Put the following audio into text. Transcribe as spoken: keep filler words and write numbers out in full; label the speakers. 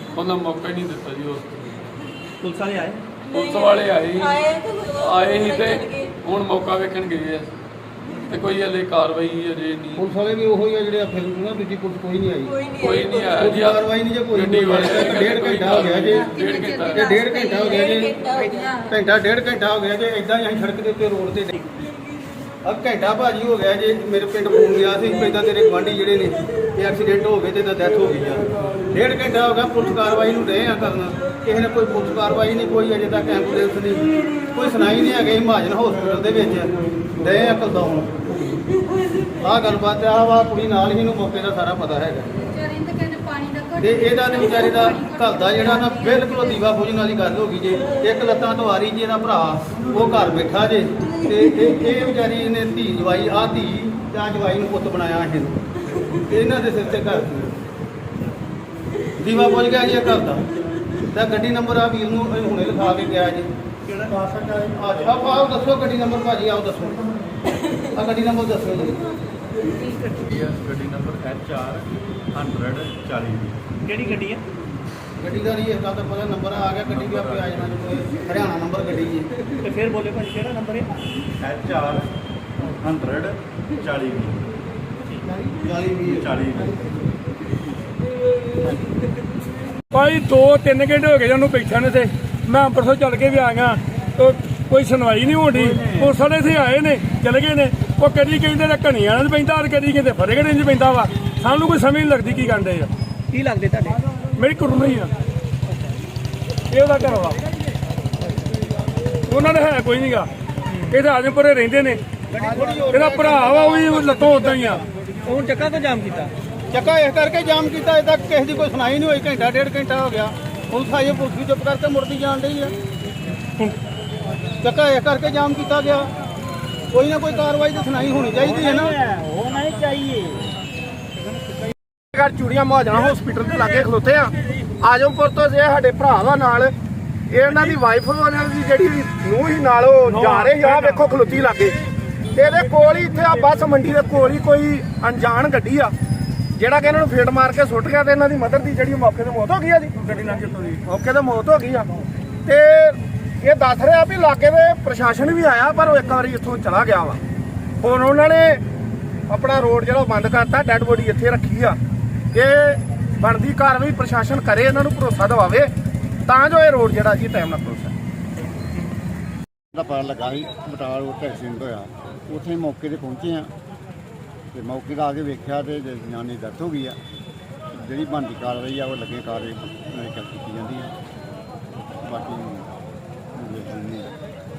Speaker 1: ਉਹਨਾਂ ਮੌਕਾ ਹੀ ਨਹੀਂ ਦਿੱਤਾ ਜੀ। ਉਸ
Speaker 2: ਪੁਲਿਸ ਵਾਲੇ ਆਏ
Speaker 1: ਪੁਲਿਸ ਵਾਲੇ ਆਏ ਸੀ ਆਏ ਸੀ ਤੇ ਹੁਣ ਮੌਕਾ ਵੇਖਣ ਗਏ ਆ ਤੇ ਕੋਈ ਹਲੇ ਕਾਰਵਾਈ ਅਜੇ ਨਹੀਂ।
Speaker 3: ਪੁਲਿਸ ਵਾਲੇ ਵੀ ਉਹੀ ਆ ਜਿਹੜੇ ਫਿਰ ਨਾ ਦੂਜੀ ਪੁਲਿਸ ਕੋਈ ਨਹੀਂ ਆਈ,
Speaker 1: ਕੋਈ ਨਹੀਂ ਆਇਆ ਜੀ।
Speaker 3: ਕਾਰਵਾਈ ਨਹੀਂ ਜੇ ਕੋਈ
Speaker 1: ਗੱਡੀ ਵਾਲੇ
Speaker 3: ਡੇਢ ਘੰਟਾ ਹੋ ਗਿਆ ਜੇ
Speaker 1: ਡੇਢ ਘੰਟਾ
Speaker 3: ਇਹ ਡੇਢ ਘੰਟਾ ਹੋ ਗਿਆ ਜੇ ਘੰਟਾ ਡੇਢ ਘੰਟਾ ਹੋ ਗਿਆ ਜੇ ਇਦਾਂ ਹੀ ਅਸੀਂ ਸੜਕ ਦੇ ਉੱਤੇ ਰੋਡ ਤੇ ਅਬ ਘੰਟਾ ਭਾਜੀ ਹੋ ਗਿਆ ਜੇ। ਮੇਰੇ ਪਿੰਡ ਫੋਨ ਗਿਆ ਸੀ ਇਦਾਂ ਤੇਰੇ ਗੁਆਂਢੀ ਜਿਹੜੇ ਨੇ ਇਹ ਐਕਸੀਡੈਂਟ ਹੋ ਗਏ ਤੇ ਤਾਂ ਡੈਥ ਹੋ ਗਈ ਆ। ਡੇਢ ਘੰਟਾ ਹੋ ਗਿਆ ਪੁਲਿਸ ਕਾਰਵਾਈ ਨੂੰ ਰਹੇ ਆ ਕਰਨਾ, ਕਿਸੇ ਨੇ ਕੋਈ ਪੁਲਿਸ ਕਾਰਵਾਈ ਨਹੀਂ, ਕੋਈ ਅਜੇ ਤੱਕ ਐਂਬੂਲੈਂਸ ਨਹੀਂ, ਕੋਈ ਸੁਣਾਈ ਨਹੀਂ ਹੈਗੀ। ਮਹਾਜਨ ਹਸਪੀਟਲ ਦੇ ਵਿੱਚ ਰਹੇ ਆ ਕਲਦਾ ਹੁਣ ਆਹ ਗੱਲਬਾਤ ਆ ਵਾ ਕੁੜੀ ਨਾਲ ਹੀ ਨੂੰ ਮੌਕੇ ਦਾ ਸਾਰਾ ਪਤਾ ਹੈਗਾ ਤੇ ਇਹਦਾ ਤੇ ਵਿਚਾਰੇ ਦਾ ਘਰ ਦਾ ਜਿਹੜਾ ਨਾ ਬਿਲਕੁਲ ਦੀਵਾ ਬੁਝਣ ਵਾਲੀ ਗੱਲ ਹੋ ਗਈ ਜੇ। ਇੱਕ ਲੱਤਾਂ ਤੋਂ ਆ ਰਹੀ ਜੀ ਇਹਦਾ ਭਰਾ ਉਹ ਘਰ ਬੈਠਾ ਜੇ ਤੇ ਇਹ ਇਹ ਵਿਚਾਰੀ ਇਹਨੇ ਧੀ ਜਵਾਈ ਆ ਧੀ ਜਾਂ ਜਵਾਈ ਨੂੰ ਪੁੱਤ ਬਣਾਇਆ ਇਹਨੂੰ, ਇਹਨਾਂ ਦੇ ਸਿਰ ਤੇ ਘਰ ਦੀਵਾ ਬੁਝ ਗਿਆ ਜੀ ਇਹ ਘਰ ਦਾ। ਤਾਂ ਗੱਡੀ ਨੰਬਰ ਆ ਵੀਰ ਨੂੰ ਹੁਣੇ ਲਿਖਾ ਕੇ ਗਿਆ ਜੀ।
Speaker 2: ਕਿਹੜਾ ਕਾਸਾ ਹੈ?
Speaker 3: ਆਪਾਂ ਆਓ ਦੱਸੋ ਗੱਡੀ ਨੰਬਰ ਭਾਜੀ, ਆਓ ਦੱਸੋ ਆ ਗੱਡੀ ਨੰਬਰ ਦੱਸੋ ਜੀ।
Speaker 4: ਗੱਡੀ ਨੰਬਰ ਐਚ ਆਰ ਹੰਡਰਡ ਚਾਲੀ।
Speaker 2: ਕਿਹੜੀ ਗੱਡੀ ਹੈ?
Speaker 3: ਗੱਡੀ ਦਾ ਨਹੀਂ ਇਸ ਗੱਲ ਦਾ ਪਤਾ, ਨੰਬਰ ਆ ਗਿਆ ਗੱਡੀ ਵੀ ਆਪੇ ਆ ਜਾਣਾ ਜੀ। ਹਰਿਆਣਾ ਨੰਬਰ ਗੱਡੀ ਜੀ।
Speaker 2: ਤੇ ਫਿਰ ਬੋਲੇ ਭਾਜੀ ਕਿਹੜਾ ਨੰਬਰ ਹੈ?
Speaker 4: ਐਚ ਆਰ ਹੰਡਰਡ ਚਾਲੀ
Speaker 3: ਚਾਲੀ ਵੀਹ
Speaker 4: ਚਾਲੀ।
Speaker 5: ਭਾਈ ਦੋ ਤਿੰਨ ਘੰਟੇ ਹੋ ਗਏ ਜਾਨੂੰ ਬੈਠਿਆਂ ਨੇ ਤੇ ਮੈਂ ਅੰਮ੍ਰਿਤਸਰ ਚੱਲ ਕੇ ਵੀ ਆ ਗਿਆ ਤੇ ਕੋਈ ਸੁਣਵਾਈ ਨਹੀਂ ਹੋਣੀ। ਪੁਲਿਸ ਵਾਲੇ ਇੱਥੇ ਆਏ ਨੇ ਚਲੇ ਗਏ ਨੇ। ਉਹ ਕਦੀ ਕਹਿੰਦੇ ਨੇ ਘਣੀਆਂ ਨਾਲ ਪੈਂਦਾ ਤੇ ਕਦੀ ਕਹਿੰਦੇ ਫਤਿਹਗੜ੍ਹ ਚ ਪੈਂਦਾ ਵਾ। ਸਾਨੂੰ ਕੋਈ ਸਮਝ ਨਹੀਂ ਲੱਗਦੀ ਕੀ ਕਰਦੇ ਆ।
Speaker 2: ਕੀ ਲੱਗਦੇ ਤੁਹਾਡੇ?
Speaker 5: ਮੇਰੀ ਕੁੜੀ ਹੀ ਆ, ਇਹ ਉਹਦਾ ਘਰ ਵਾ। ਉਹਨਾਂ ਦੇ ਹੈ ਕੋਈ ਨਹੀਂਗਾ, ਇਹ ਤਾਂ ਆਜਮਪੁਰੇ ਰਹਿੰਦੇ ਨੇ। ਇਹਦਾ ਭਰਾ ਵਾ ਉਹ ਵੀ ਲੱਤੋਂ ਉਦਾਂ ਹੀ ਆ।
Speaker 2: ਹੁਣ ਚੱਕਾ ਤੋਂ ਜਾਮ ਕੀਤਾ?
Speaker 3: ਚੱਕਾ ਇਸ ਕਰਕੇ ਜਾਮ ਕੀਤਾ, ਅਜੇ ਤੱਕ ਕਿਸੇ ਦੀ ਕੋਈ ਸੁਣਾਈ ਨਹੀਂ ਹੋਈ। ਘੰਟਾ ਡੇਢ ਘੰਟਾ ਹੋ ਗਿਆ, ਪੁਲਿਸ ਆਈ, ਪੁਲਿਸ ਵੀ ਚੁੱਪ ਕਰਕੇ ਮੁੜਦੀ ਜਾਣ ਡਈ ਹੈ। ਚੱਕਾ ਇਸ ਕਰਕੇ ਜਾਮ ਕੀਤਾ ਗਿਆ। ਕੋਈ ਨਾ ਕੋਈ ਕਾਰਵਾਈ ਤਾਂ ਸੁਣਾਈ ਹੋਣੀ ਚਾਹੀਦੀ ਹੈ ਨਾ।
Speaker 2: ਹੋਣਾ ਹੀ ਚਾਹੀਏ।
Speaker 6: ਘਰ ਚੂੜੀਆਂ ਮਹਾਜਣਾ ਹਸਪੀਟਲ ਦੇ ਲਾਗੇ ਖਲੋਤੇ ਆ। ਆਜਮਪੁਰ ਤੋਂ ਜੇ ਸਾਡੇ ਭਰਾ ਦਾ ਨਾਲ ਇਹ ਇਹਨਾਂ ਦੀ ਵਾਈਫ ਉਹਨਾਂ ਦੀ ਜਿਹੜੀ ਨੂੰਹ ਹੀ ਨਾਲ ਉਹ ਜਾ ਰਹੇ ਆ। ਵੇਖੋ ਖਲੋਤੀ ਲਾਗੇ ਤੇ ਇਹਦੇ ਕੋਲ ਹੀ ਇੱਥੇ ਆ ਬੱਸ ਮੰਡੀ ਦੇ ਕੋਲ ਹੀ ਕੋਈ ਅਣਜਾਣ ਗੱਡੀ ਆ ਜਿਹੜਾ ਕਿ ਇਹਨਾਂ ਨੂੰ ਫੇਟ ਮਾਰ ਕੇ ਸੁੱਟ ਗਿਆ ਤੇ ਇਹਨਾਂ ਦੀ ਮਦਰ ਦੀ ਜਿਹੜੀ ਮੌਕੇ ਤੇ ਮੌਤ ਹੋ ਗਈ ਆ ਜੀ। ਗੱਡੀ ਨਾਲ ਜਿੱਤੋਂ ਦੀ ਮੌਕੇ ਤੇ ਮੌਤ ਹੋ ਗਈ ਆ। ਤੇ ਇਹ ਦੱਸ ਰਿਹਾ ਵੀ ਇਲਾਕੇ ਦੇ ਪ੍ਰਸ਼ਾਸਨ ਵੀ ਆਇਆ ਪਰ ਉਹ ਇੱਕ ਵਾਰੀ ਇੱਥੋਂ ਚਲਾ ਗਿਆ ਵਾ। ਹੁਣ ਉਹਨਾਂ ਨੇ ਆਪਣਾ ਰੋਡ ਜਿਹੜਾ ਬੰਦ ਕਰਤਾ, ਡੈੱਡ ਬੋਡੀ ਇੱਥੇ ਰੱਖੀ ਆ। ਇਹ ਬਣਦੀ ਕਾਰਵਾਈ ਪ੍ਰਸ਼ਾਸਨ ਕਰੇ, ਇਹਨਾਂ ਨੂੰ ਭਰੋਸਾ ਦਿਵਾਵੇ ਤਾਂ ਜੋ ਇਹ ਰੋਡ ਜਿਹੜਾ ਜੀ ਟਾਈਮ ਨਾਲ ਖੁੱਲ ਸਕੇ।
Speaker 7: ਦਾ ਪਤਾ ਲੱਗਾ ਸੀ ਬਟਾਲਾ ਰੋਡ ਤੇ ਐਕਸੀਡੈਂਟ ਹੋਇਆ, ਉੱਥੇ ਮੌਕੇ ਤੇ ਪਹੁੰਚੇ ਆ ਤੇ ਮੌਕੇ ਦਾ ਆ ਕੇ ਵੇਖਿਆ ਤੇ ਜਨਾਨੀ ਦੀ ਡੈਥ ਹੋ ਗਈ ਆ। ਜਿਹੜੀ ਬਣਦੀ ਕਾਰਵਾਈ ਆ ਉਹ ਲੱਗੇ ਕਾਰਵਾਈ ਕੀਤੀ ਜਾਂਦੀ ਹੈ। ਬਾਕੀ ਵੇਖ ਲੈਂਦੇ ਆ।